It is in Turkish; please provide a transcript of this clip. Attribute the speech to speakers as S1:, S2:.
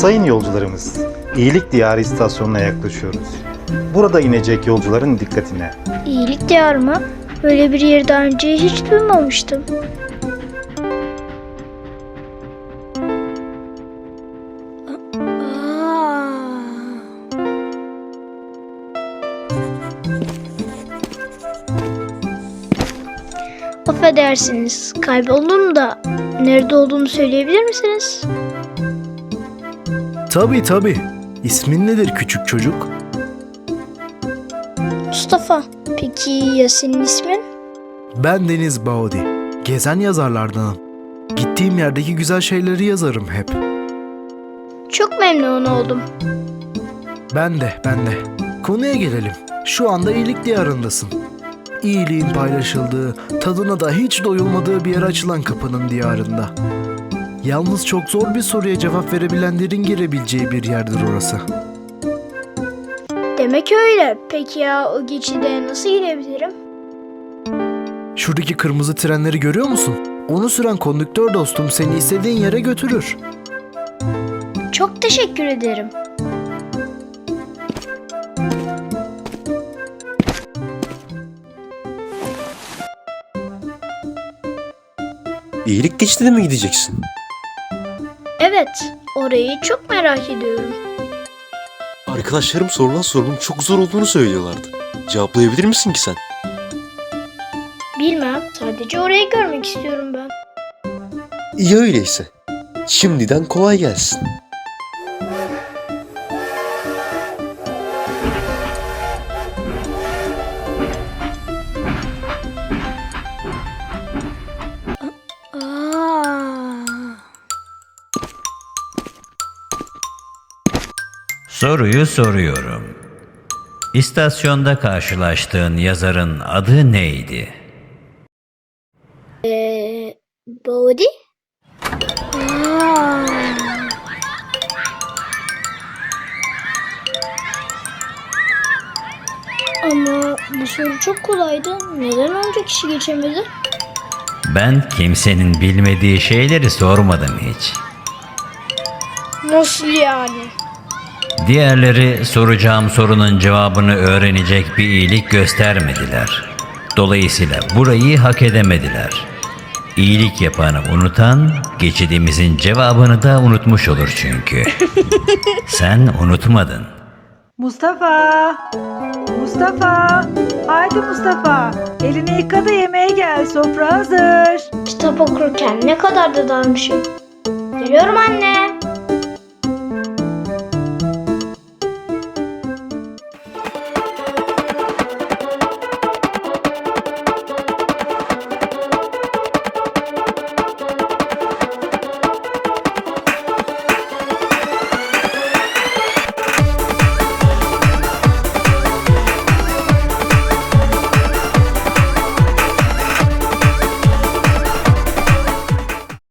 S1: Sayın yolcularımız, İyilik Diyarı istasyonuna yaklaşıyoruz. Burada inecek yolcuların dikkatine.
S2: İyilik diyarı mı? Böyle bir yeri daha önce hiç duymamıştım. Affedersiniz, kayboldum da nerede olduğumu söyleyebilir misiniz?
S3: Tabii. İsmin nedir küçük çocuk?
S2: Mustafa. Peki ya senin ismin?
S3: Ben Deniz Baudi. Gezen yazarlardanım. Gittiğim yerdeki güzel şeyleri yazarım hep.
S2: Çok memnun oldum.
S3: Ben de. Konuya gelelim. Şu anda iyilik diyarındasın. İyiliğin paylaşıldığı, tadına da hiç doyulmadığı bir yere açılan kapının diyarında. Yalnız çok zor bir soruya cevap verebilenlerin girebileceği bir yerdir orası.
S2: Demek öyle. Peki ya o geçide nasıl gidebilirim?
S3: Şuradaki kırmızı trenleri görüyor musun? Onu süren kondüktör dostum seni istediğin yere götürür.
S2: Çok teşekkür ederim.
S4: İyilik geçtiğine mi gideceksin?
S2: Evet, orayı çok merak ediyorum.
S4: Arkadaşlarım sorulan sorunun çok zor olduğunu söylüyorlardı. Cevaplayabilir misin ki sen?
S2: Bilmem, sadece orayı görmek istiyorum ben.
S4: İyi öyleyse. Şimdiden kolay gelsin.
S5: Soruyu soruyorum. İstasyonda karşılaştığın yazarın adı neydi?
S2: Body? Ama bu soru çok kolaydı. Neden onca kişi geçemedi?
S5: Ben kimsenin bilmediği şeyleri sormadım hiç.
S2: Nasıl yani?
S5: Diğerleri soracağım sorunun cevabını öğrenecek bir iyilik göstermediler. Dolayısıyla burayı hak edemediler. İyilik yapanı unutan, geçidimizin cevabını da unutmuş olur çünkü. Sen unutmadın.
S6: Mustafa! Mustafa! Haydi Mustafa! Elini yıka da yemeğe gel. Sofra hazır.
S2: Kitap okurken ne kadar da dalmışım. Geliyorum anne.